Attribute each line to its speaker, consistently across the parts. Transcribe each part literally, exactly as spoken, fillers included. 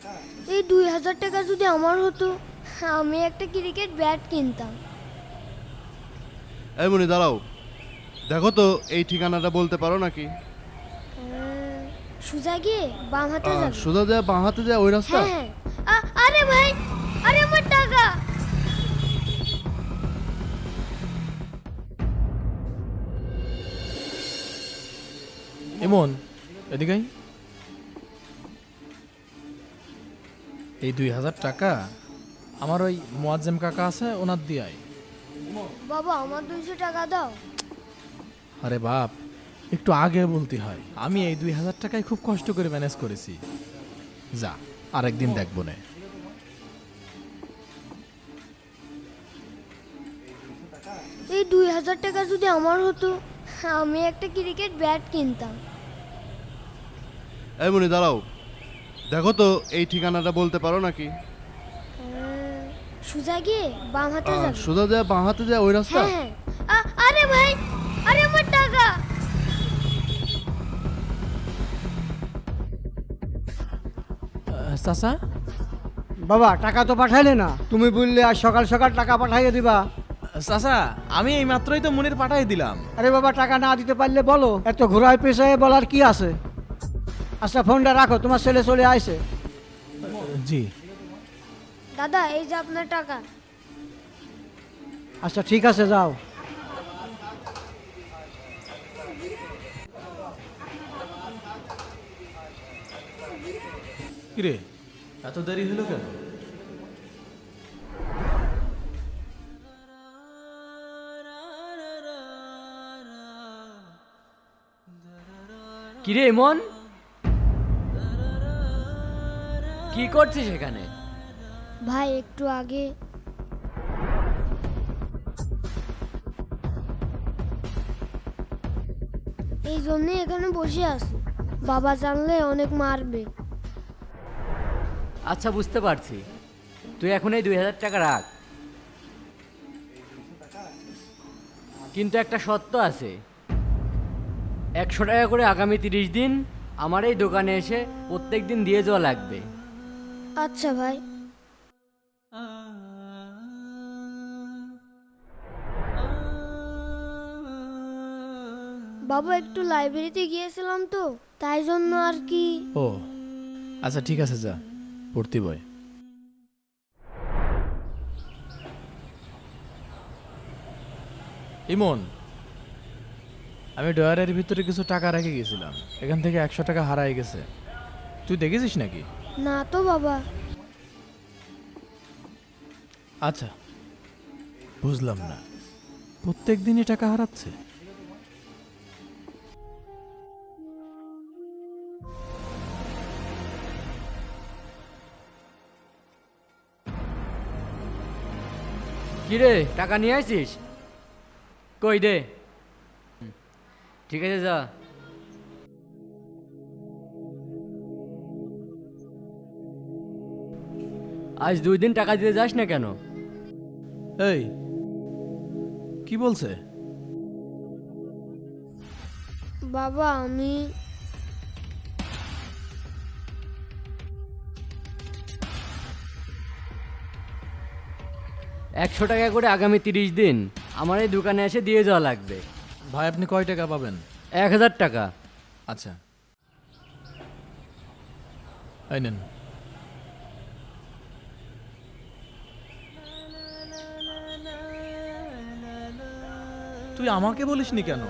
Speaker 1: এই দুই হাজার টাকা যদি আমার হতো, আমি একটা ক্রিকেট ব্যাট কিনতাম।
Speaker 2: এই মনি দাঁড়াও, দেখো তো এই ঠিকানাটা বলতে পারো নাকি?
Speaker 1: আহ, সোজা গিয়ে বাম হাতে
Speaker 2: আহ,
Speaker 1: যাবে।
Speaker 2: সোজা যায় বাঁ হাতে যায় ওই রাস্তা?
Speaker 1: হ্যাঁ হ্যাঁ। আ- আরে ভাই, আরে আমার টাকা!
Speaker 3: এমন এদিকে আয়। এই দুই হাজার টাকা আমার ওই মোয়াজ্জেম কাকা আছে, ওনার দিয়ে আয়।
Speaker 1: বাবা, আমার দুইশো টাকা দাও।
Speaker 3: আরে বাপ, একটু আগে বলতে হয়। আমি এই দুই হাজার টাকায় খুব কষ্ট করে ম্যানেজ করেছি। যা, আরেকদিন দেখবো না।
Speaker 1: এই দুই হাজার টাকা যদি আমার হতো, আমি একটা ক্রিকেট ব্যাট কিনতাম।
Speaker 2: এই মনি দাঁড়াও, দেখো তো এই ঠিকানাটা বলতে পারো নাকি?
Speaker 1: আহ, সোজা গিয়ে বাম হাতে
Speaker 2: আহ,
Speaker 1: যাবে।
Speaker 2: সোজা যায় বাঁ হাতে যায় ওই রাস্তা?
Speaker 1: হ্যাঁ হ্যাঁ। আ- আরে ভাই, আরে আমার টাকা!
Speaker 3: আহ, চাচা,
Speaker 4: বাবা, টাকা তো পাঠাইলে না। তুমি বললে আজ সকাল সকাল টাকা পাঠাইয়ে দিবা।
Speaker 3: চাচা, আমি এই মাত্রই তো মনির পাঠাই দিলাম।
Speaker 4: আরে বাবা, টাকা না দিতে পারলে বলো, এত ঘোরায় পেশায় বলার কি আছে? আচ্ছা, ফোনটা রাখো, তোমার ছেলে চলে আইছে।
Speaker 3: জি।
Speaker 1: দাদা, এই যে আপনার টাকা।
Speaker 4: আচ্ছা ঠিক আছে, যাও।
Speaker 3: কিরে, এত দেরি হলো কেন?
Speaker 5: কিরে মন, কি করছিস এখানে?
Speaker 1: ভাই, একটু আগে এই জন্যই এখানে বসে আছি। বাবা জানলে অনেক মারবে।
Speaker 5: আচ্ছা, বুঝতে পারছি। তুই এখন এই দুই হাজার টাকা রাখ, কিন্তু একটা শর্ত আছে। একশো টাকা করে আগামী তিরিশ দিন আমার এই দোকানে এসে প্রত্যেক দিন দিয়ে যাওয়া লাগবে।
Speaker 1: আচ্ছা ভাই। বাবা, একটু লাইব্রেরিতে গিয়েছিলাম তো, তাই জন্য আর কি।
Speaker 3: ও আচ্ছা, ঠিক আছে, যা পড়তে বয়। ইমন, আমি ডয়ারের ভিতরে কিছু টাকা রেখে গেছিলাম, এখান থেকে একশো টাকা হারাই গেছে। তুই দেখেছিস নাকি?
Speaker 1: না তো বাবা।
Speaker 3: আচ্ছা, বুঝলাম না, প্রত্যেক দিনই টাকা হারাচ্ছে।
Speaker 5: কিরে, টাকা নিয়ে আসিস? কই দে। ঠিক আছে, যা। আজ দুই দিন টাকা দিতে যাস না কেন?
Speaker 3: এই, কি বলছে?
Speaker 1: বাবা, আমি
Speaker 5: একশো টাকা করে আগামী তিরিশ দিন আমার এই দোকানে এসে দিয়ে যাওয়া লাগবে।
Speaker 3: ভাই, আপনি কয় টাকা পাবেন?
Speaker 5: এক হাজার টাকা।
Speaker 3: আচ্ছা, এই নেন। তুই আমাকে বলিসনি কেন?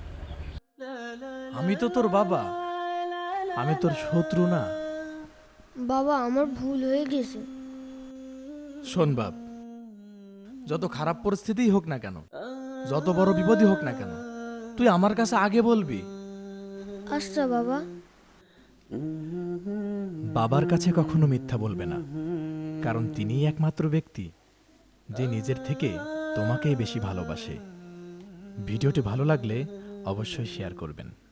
Speaker 3: আমি তো তোর বাবা, আমি তোর শত্রু না।
Speaker 1: বাবা, আমার ভুল হয়ে গেছে।
Speaker 3: শোন বাপ, যত খারাপ পরিস্থিতিই হোক না কেন, যত বড় বিপদই হোক না কেন, তুই আমার কাছে আগে বলবি।
Speaker 1: আচ্ছা বাবা।
Speaker 3: বাবার কাছে কখনো মিথ্যা বলবে না, কারণ তিনিই একমাত্র ব্যক্তি যে নিজের থেকে তোমাকেই বেশি ভালোবাসে। ভিডিওটি ভালো লাগলে অবশ্যই শেয়ার করবেন।